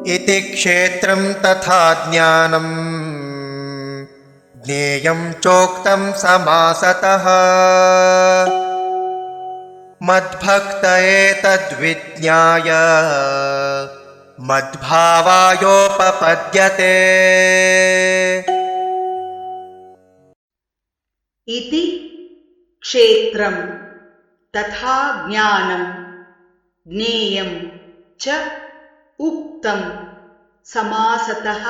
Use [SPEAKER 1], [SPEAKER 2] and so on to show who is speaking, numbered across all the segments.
[SPEAKER 1] इति क्षेत्रं तथा ज्ञानं ज्ञेयं चोक्तं समासतः मद्भक्त एतद्विज्ञाय मद्भावायोपपद्यते।
[SPEAKER 2] इति क्षेत्रं तथा ज्ञानं ज्ञेयं च उक्तं समासतः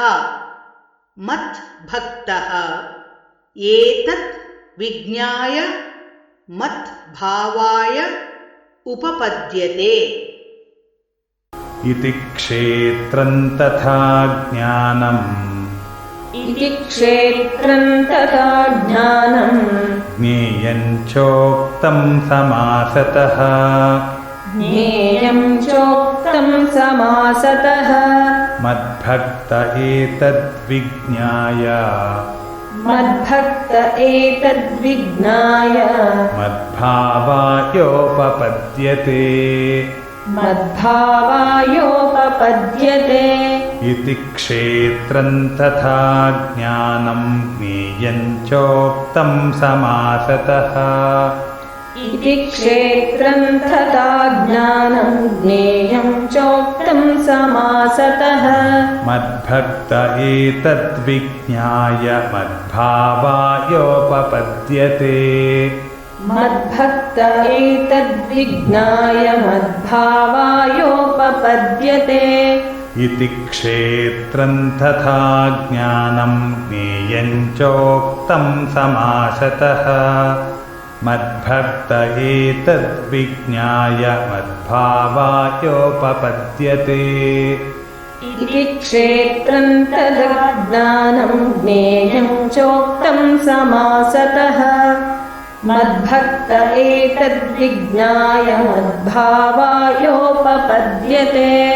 [SPEAKER 2] मद्भक्तः एतत् विज्ञाय मद्भावाय उपपद्यते।
[SPEAKER 3] इति क्षेत्रं तथा ज्ञानम्
[SPEAKER 4] इति क्षेत्रं तथा ज्ञानं
[SPEAKER 3] ज्ञेयं चोक्तं समासतः
[SPEAKER 4] ज्ञेयं चोक्तं समासतः
[SPEAKER 3] मद्भक्त एतद्विज्ञाय
[SPEAKER 4] मद्भक्त एतद्विज्ञाय
[SPEAKER 3] मद्भावायोपपद्यते।
[SPEAKER 4] मद्भावायोपपद्यते।
[SPEAKER 3] इति क्षेत्रं तथा ज्ञानं ज्ञेयं चोक्तं समासतः
[SPEAKER 4] इति क्षेत्रं तथा ज्ञानं ज्ञेयं चोक्तं समासतः
[SPEAKER 3] मद्भक्त एतद्विज्ञाय मद्भावायोपपद्यते।
[SPEAKER 4] मद्भक्त एतद्विज्ञाय मद्भावायोपपद्यते।
[SPEAKER 3] इति क्षेत्रं तथा ज्ञानं ज्ञेयं चोक्तं समासतः मद्भक्त एतद्विज्ञाय मद्भावायोपपद्यते।
[SPEAKER 4] इति क्षेत्रं तथा ज्ञानं ज्ञेयं चोक्तं समासतः मद्भक्त एतद्विज्ञाय मद्भावायोपपद्यते।